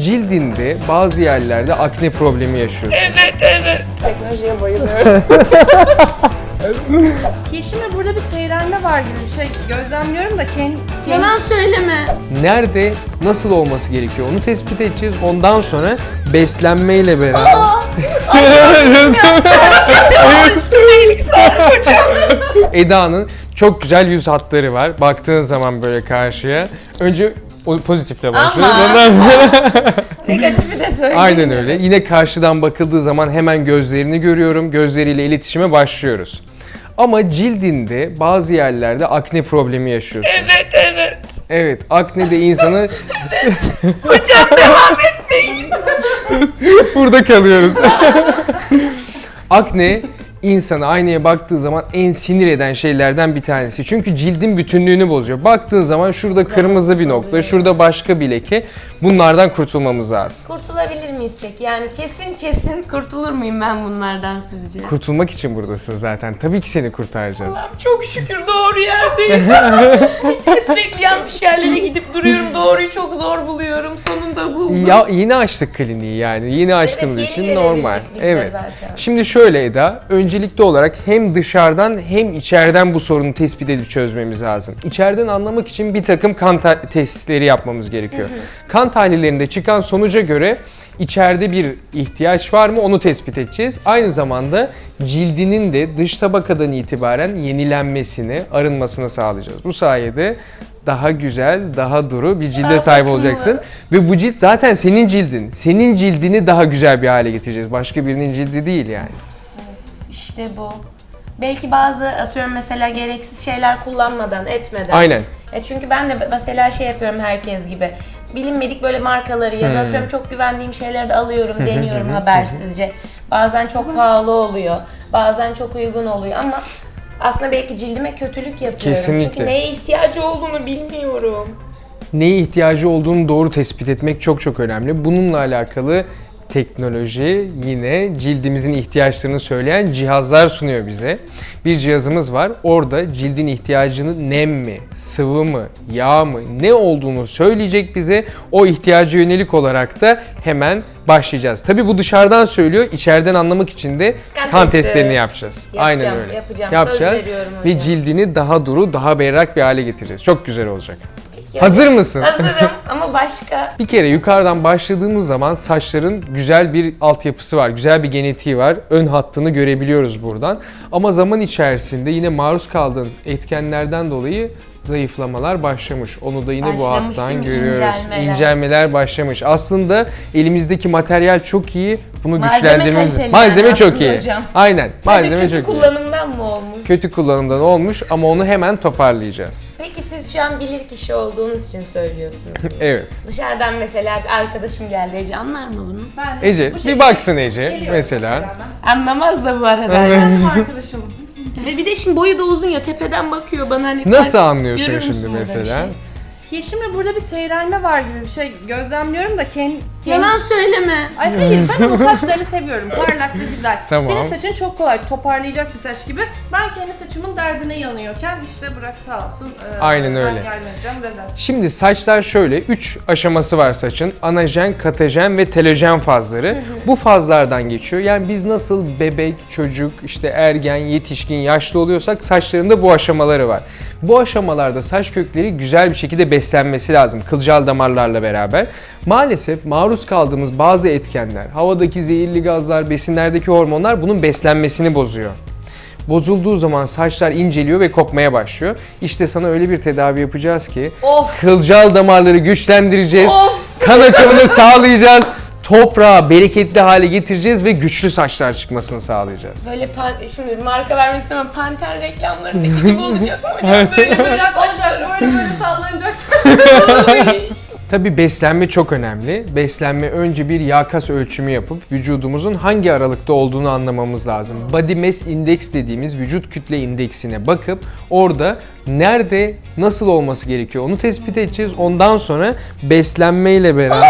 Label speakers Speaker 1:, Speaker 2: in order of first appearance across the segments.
Speaker 1: cildinde bazı yerlerde akne problemi yaşıyorsun.
Speaker 2: Evet.
Speaker 3: Teknolojiye bayılıyorum.
Speaker 2: Yeşim'le burada bir seyrelme var gibi bir şey gözlemliyorum da
Speaker 3: Yalan söyleme.
Speaker 1: Nerede, nasıl olması gerekiyor onu tespit edeceğiz. Ondan sonra beslenmeyle beraber...
Speaker 3: Üstüme iyilik sağlık hocam.
Speaker 1: Eda'nın çok güzel yüz hatları var. Baktığın zaman böyle karşıya. Önce o pozitifle başlıyoruz.
Speaker 3: Ama.
Speaker 1: Ondan sonra...
Speaker 3: Negatifi de söyleyeyim.
Speaker 1: Aynen öyle. Yine karşıdan bakıldığı zaman hemen gözlerini görüyorum. Gözleriyle iletişime başlıyoruz. Ama cildinde bazı yerlerde akne problemi yaşıyorsun.
Speaker 3: Evet.
Speaker 1: Evet, akne de insanı...
Speaker 3: Hocam devam etmeyin.
Speaker 1: Burada kalıyoruz. Akne insanı aynaya baktığı zaman en sinir eden şeylerden bir tanesi. Çünkü cildin bütünlüğünü bozuyor. Baktığın zaman şurada kırmızı bir nokta, şurada başka bir leke. Bunlardan kurtulmamız lazım.
Speaker 3: Kurtulabilir miyiz peki? Yani kesin kurtulur muyum ben bunlardan sizce?
Speaker 1: Kurtulmak için buradasın zaten. Tabii ki seni kurtaracağız.
Speaker 3: Allah'ım çok şükür doğru yerdeyim. Sürekli yanlış yerlere gidip duruyorum. Doğruyu çok zor buluyorum. Sonunda buldum.
Speaker 1: Ya yeni açtık kliniği yani. Yeni açtığımız
Speaker 3: yeni
Speaker 1: için
Speaker 3: gelebildik
Speaker 1: normal.
Speaker 3: biz de
Speaker 1: Evet.
Speaker 3: zaten.
Speaker 1: Şimdi şöyle Eda, öncelikli olarak hem dışarıdan hem içeriden bu sorunu tespit edip çözmemiz lazım. İçeriden anlamak için bir takım kan testleri yapmamız gerekiyor. Kan tahlillerinde çıkan sonuca göre içeride bir ihtiyaç var mı onu tespit edeceğiz. Aynı zamanda cildinin de dış tabakadan itibaren yenilenmesini, arınmasını sağlayacağız. Bu sayede daha güzel, daha duru bir cilde sahip olacaksın. Ve bu cilt zaten senin cildin. Senin cildini daha güzel bir hale getireceğiz. Başka birinin cildi değil yani.
Speaker 3: İşte bu. Belki bazı atıyorum mesela gereksiz şeyler kullanmadan, etmeden.
Speaker 1: Aynen.
Speaker 3: Çünkü ben de mesela şey yapıyorum herkes gibi. Bilinmedik böyle markaları ya da atıyorum çok güvendiğim şeyleri de alıyorum, deniyorum habersizce. Bazen çok pahalı oluyor, bazen çok uygun oluyor ama aslında belki cildime kötülük yapıyorum.
Speaker 1: Kesinlikle.
Speaker 3: Çünkü neye ihtiyacı olduğunu bilmiyorum.
Speaker 1: Neye ihtiyacı olduğunu doğru tespit etmek çok önemli. Bununla alakalı teknoloji yine cildimizin ihtiyaçlarını söyleyen cihazlar sunuyor bize. Bir cihazımız var. Orada cildin ihtiyacını nem mi, sıvı mı, yağ mı ne olduğunu söyleyecek bize. O ihtiyaca yönelik olarak da hemen başlayacağız. Tabii bu dışarıdan söylüyor. İçeriden anlamak için de kan testlerini yapacağız.
Speaker 3: Yapacağım,
Speaker 1: Aynen öyle.
Speaker 3: yapacağım. Söz veriyorum hocam.
Speaker 1: Ve cildini daha duru, daha berrak bir hale getireceğiz. Çok güzel olacak.
Speaker 3: Peki,
Speaker 1: Hazır mısın?
Speaker 3: Hazırım ama başka.
Speaker 1: Bir kere yukarıdan başladığımız zaman saçların güzel bir altyapısı var, güzel bir genetiği var. Ön hattını görebiliyoruz buradan. Ama zaman içerisinde yine maruz kaldığın etkenlerden dolayı zayıflamalar başlamış. Onu da yine bu
Speaker 3: Başlamış değil
Speaker 1: hattan
Speaker 3: mi?
Speaker 1: görüyoruz.
Speaker 3: İncelmeler.
Speaker 1: İncelmeler başlamış. Aslında elimizdeki materyal çok iyi. Bunu
Speaker 3: Malzeme
Speaker 1: güçlendirmemiz.
Speaker 3: kaliteli
Speaker 1: Malzeme
Speaker 3: yani
Speaker 1: çok
Speaker 3: aslında
Speaker 1: iyi.
Speaker 3: hocam.
Speaker 1: Aynen.
Speaker 3: Sadece
Speaker 1: Malzeme
Speaker 3: kötü
Speaker 1: çok iyi.
Speaker 3: kullanımdan mı olmuş?
Speaker 1: Kötü kullanımdan olmuş ama onu hemen toparlayacağız.
Speaker 3: Peki siz şu an bilir kişi olduğunuz için söylüyorsunuz.
Speaker 1: Evet.
Speaker 3: Dışarıdan mesela bir arkadaşım geldi. Ece anlar mı bunu?
Speaker 2: ben de
Speaker 1: Ece,
Speaker 2: bu
Speaker 1: bir
Speaker 2: şekilde
Speaker 1: baksın Ece
Speaker 2: geliyorum
Speaker 1: mesela.
Speaker 2: ben.
Speaker 3: Anlamaz da bu arada.
Speaker 2: Ben arkadaşım.
Speaker 3: Ve bir de şimdi boyu da uzun ya tepeden bakıyor bana hani.
Speaker 1: Nasıl anlıyorsun
Speaker 3: Görür
Speaker 1: şimdi
Speaker 3: müsün burada bir
Speaker 1: mesela?
Speaker 3: şey?
Speaker 2: Yeşim'le burada bir seyrelme var gibi bir şey gözlemliyorum da
Speaker 3: Yalan söyleme.
Speaker 2: Ay hayır, ben o saçlarını seviyorum. Parlak ve güzel.
Speaker 1: Tamam.
Speaker 2: Senin saçın çok kolay toparlayacak bir saç gibi. Ben kendi saçımın derdine yanıyorken işte bırak sağ olsun.
Speaker 1: Aynen öyle.
Speaker 2: Ben yardım edeceğim dedi.
Speaker 1: Şimdi saçlar şöyle 3 aşaması var saçın. Anajen, katajen ve telojen fazları. Bu fazlardan geçiyor. Yani biz nasıl bebek, çocuk, işte ergen, yetişkin, yaşlı oluyorsak saçlarında bu aşamaları var. Bu aşamalarda saç kökleri güzel bir şekilde beslenmesi lazım kılcal damarlarla beraber. Maalesef maruz kaldığımız bazı etkenler, havadaki zehirli gazlar, besinlerdeki hormonlar bunun beslenmesini bozuyor. Bozulduğu zaman saçlar inceliyor ve kopmaya başlıyor. İşte sana öyle bir tedavi yapacağız ki
Speaker 3: Of.
Speaker 1: kılcal damarları güçlendireceğiz,
Speaker 3: Of.
Speaker 1: kan akımını sağlayacağız, toprağı bereketli hale getireceğiz ve güçlü saçlar çıkmasını sağlayacağız.
Speaker 3: Böyle şimdi marka vermek istemem. Panter reklamlarındaki gibi olacak mı hocam? Böyle
Speaker 2: Olacak olacak böyle sallanacak.
Speaker 1: Tabii beslenme çok önemli. Beslenme önce bir yağ kas ölçümü yapıp vücudumuzun hangi aralıkta olduğunu anlamamız lazım. Body Mass Index dediğimiz vücut kütle indeksine bakıp orada nerede nasıl olması gerekiyor onu tespit edeceğiz. Ondan sonra beslenmeyle beraber...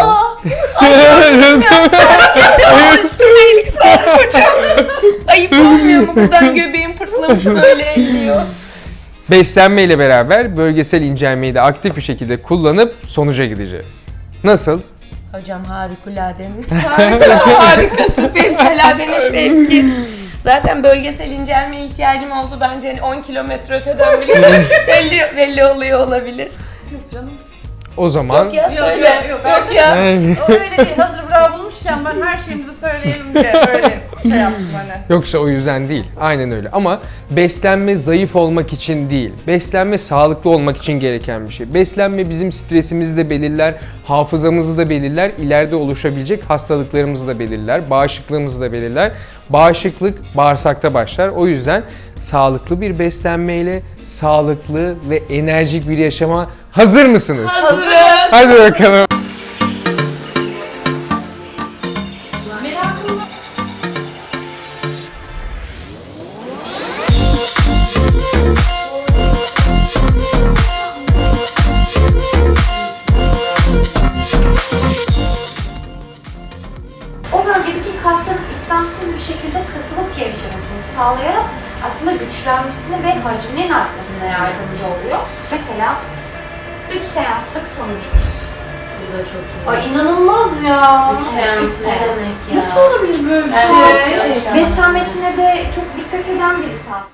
Speaker 3: Üstüme iyilik sağlık hocam. Ayıp olmuyor mu? Buradan göbeğim pırtlamış böyle elliyor.
Speaker 1: Beslenmeyle beraber bölgesel incelmeyi de aktif bir şekilde kullanıp sonuca gideceğiz. Nasıl?
Speaker 3: Hocam harikuladenin. Harikası, fevkaladenin fevki. Zaten bölgesel incelmeye ihtiyacım oldu. Bence hani 10 kilometre öteden bile belli oluyor olabilir.
Speaker 2: Yok canım.
Speaker 1: O zaman
Speaker 3: Yok ya söyle.
Speaker 2: Yok
Speaker 3: ya.
Speaker 2: O öyle değil. Hazır bravo bulmuşken ben her şeyimizi söyleyelim diye böyle şey yaptım hani.
Speaker 1: yoksa o yüzden değil. Aynen öyle. Ama beslenme zayıf olmak için değil. Beslenme sağlıklı olmak için gereken bir şey. Beslenme bizim stresimizi de belirler, hafızamızı da belirler, ileride oluşabilecek hastalıklarımızı da belirler, bağışıklığımızı da belirler. Bağışıklık bağırsakta başlar. O yüzden sağlıklı bir beslenmeyle sağlıklı ve enerjik bir yaşama hazır mısınız?
Speaker 3: Hazırız.
Speaker 1: Hadi bakalım.
Speaker 2: Merakımla
Speaker 4: O bölgedeki kasların istemsiz bir şekilde kasılıp gevşemesini sağlayarak aslında güçlenmesine ve hacminin artmasına yardımcı oluyor. Mesela 3 seanslık sonucumuz.
Speaker 3: Bu da çok iyi.
Speaker 4: Ay inanılmaz ya.
Speaker 3: 3 seans
Speaker 4: Üç
Speaker 3: ne demek ya?
Speaker 2: nasıl olabilir böyle bir
Speaker 3: Evet,
Speaker 2: şey?
Speaker 3: yaşa.
Speaker 4: Beslenmesine de çok dikkat eden birisi aslında.